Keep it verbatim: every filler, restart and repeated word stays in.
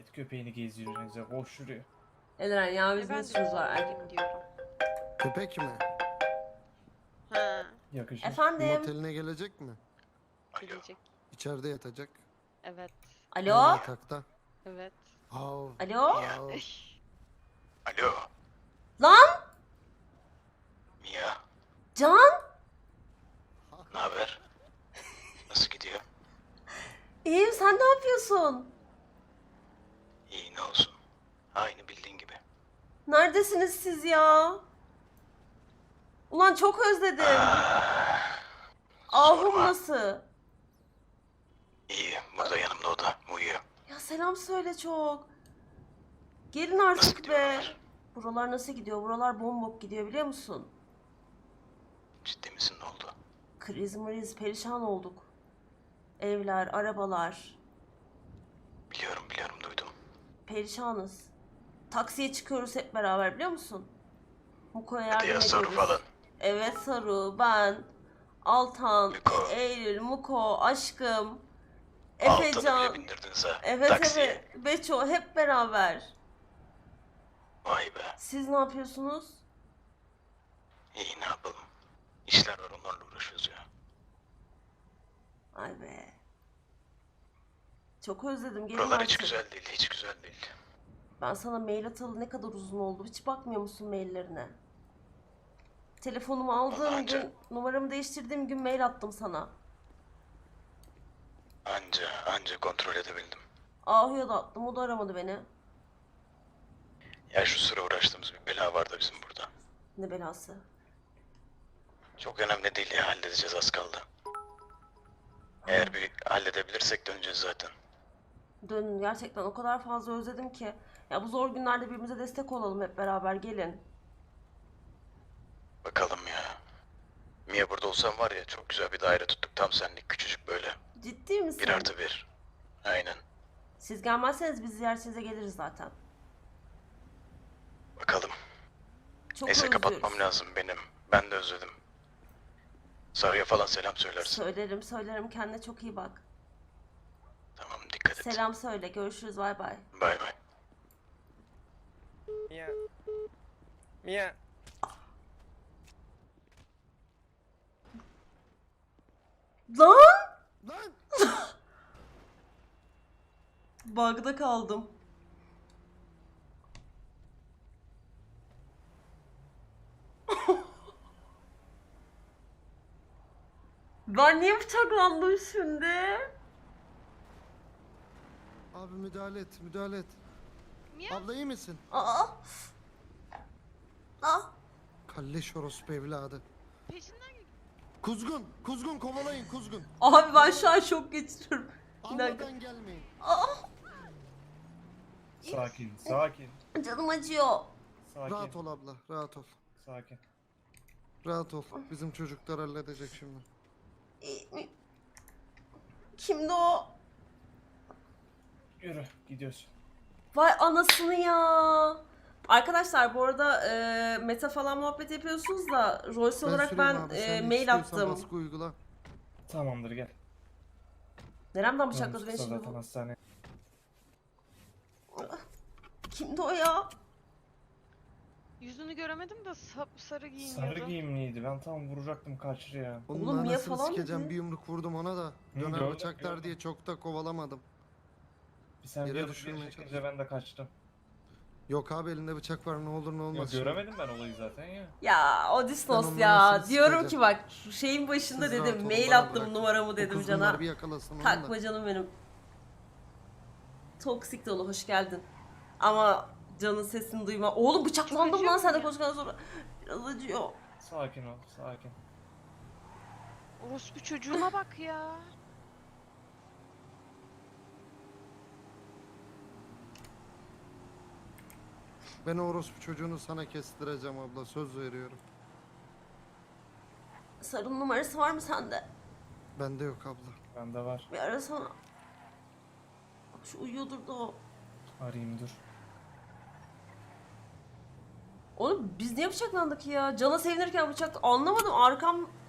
Et köpeğini gezdiriyorsunuz. Boş şuraya. Eren ya E biz ben ne de suçumuz var? köpek diyorum. Köpek mi? Ha, Yakışır. Efendim? Moteline gelecek mi? gelecek. İçeride yatacak. Evet, Yan Alo? yatakta. evet. Hav. Alo? hav. Alo, Lan? Mia. Can? Ne haber? Nasıl gidiyor? İyiyim, sen ne yapıyorsun? İyi, ne olsun. Aynı bildiğin gibi. Neredesiniz siz ya? Ulan çok özledim. Ahum sorma. nasıl? İyi, burada yanımda o da uyuyor. Ya selam söyle çok. Gelin Nasıl artık gidiyor be. oralar? Buralar nasıl gidiyor? Buralar bombok gidiyor biliyor musun? Ciddi misin, ne oldu? Kriz mriz perişan olduk. Evler, arabalar. Biliyorum, biliyorum, duydum. Perişanız. Taksiye çıkıyoruz hep beraber biliyor musun? Muko'ya Hadi yardım ya, Saru ediyoruz. falan. Evet Saru, ben, Altan, Muko. Eylül, Muko, aşkım, Altını Efecan. bile bindirdiniz ha. Evet Taksiye. evet, Beço hep beraber. Vay be. Siz ne yapıyorsunuz? İyi, ne yapalım? İşler var, onlarla uğraşıyoruz ya. Ay be. Çok özledim, gelin Buralar hiç artık. güzel değil, hiç güzel değil. Ben sana mail atalı ne kadar uzun oldu. Hiç bakmıyor musun maillerine? Telefonumu aldığım Vallahi gün, anca- numaramı değiştirdiğim gün mail attım sana. Anca, anca kontrol edebildim. Ahu'ya da attım, o da aramadı beni. Ya şu sıra uğraştığımız bir bela var da bizim burada. Ne belası? Çok önemli değil ya, halledeceğiz, az kaldı. Eğer bir halledebilirsek döneceğiz zaten. Dönün, gerçekten o kadar fazla özledim ki. Ya bu zor günlerde birbirimize destek olalım hep beraber, gelin. Bakalım ya. Mia burada olsam var ya, çok güzel bir daire tuttuk, tam senlik, küçücük böyle. Ciddi misin? Bir artı bir. Aynen. Siz gelmezseniz biz ziyaretinize geliriz zaten. Bakalım. Çok Neyse, özlüyoruz. kapatmam lazım benim. Ben de özledim. Sarıya falan selam söylersin. Söylerim söylerim, kendine çok iyi bak. Tamam, dikkat et. Selam söyle, görüşürüz, bay bay. Bay bay. Mia. Mia. Lan! Lan! Bug'da kaldım. Ben niye bıçaklandım şimdi? Abi müdahale et, müdahale et. Mia? Abla iyi misin? Aa! Aa! Kalleş orospu evladı. Peşinden gel. Kuzgun, kuzgun kovalayın kuzgun. Abi ben şu an şok geçiriyorum. Bir dakika. Almadan gelmeyin. Sakin, sakin. Canım acıyor. Sakin, Rahat ol abla, rahat ol. sakin. Rahat ol. Bizim çocuklar halledecek şimdi. Kimdi o? Yürü, gidiyoruz. Vay anasını ya. Arkadaşlar bu arada e, meta falan muhabbet yapıyorsunuz da Royce olarak süreyim ben abi, e, sen mail istiyorsan attım. baskı uygula. Tamamdır, gel. Neremden bıçakladı beni Usta şimdi zaten bu? hastane. Kimdi o ya? Yüzünü göremedim de sap sarı giyiniyordu. Sarı giyimliydi. Ben tam vuracaktım kaçırıya. Onun Oğlum, Mia anasını falan sikeceğim, dedi. bir yumruk vurdum ona da. Hı, Döner gördüm, bıçaklar gördüm. diye çok da kovalamadım. Bir sen Yere bir adım düşürmeye geri çekince ben de kaçtım. Yok abi, elinde bıçak var, ne olur ne Ya olmaz. şimdi. göremedim ben olayı zaten ya. Ya Ben Odysseus onun ya. anasını Diyorum ki sikeceğim. bak şu şeyin başında Siz rahat dedim. olun, Mail bana attım bırakın. numaramı O dedim kuzgunlar cana. bir yakalasın onu da. Takma canım benim. Toksik dolu hoş geldin. Ama canın sesini duyma. Oğlum bıçaklandım acıyor lan sen de mu ya? koştuktan sonra. Biraz acıyor. Sakin ol, sakin. Orospu çocuğuna bak ya. Ben o orospu çocuğunu sana kestireceğim abla, söz veriyorum. Sarı'nın numarası var mı sende? Bende yok abla. Bende var. Bir arasana. Şu uyuyordur da o. Arayayım dur. Oğlum biz niye bıçaklandık ya? Cana sevinirken bıçak... Anlamadım, arkam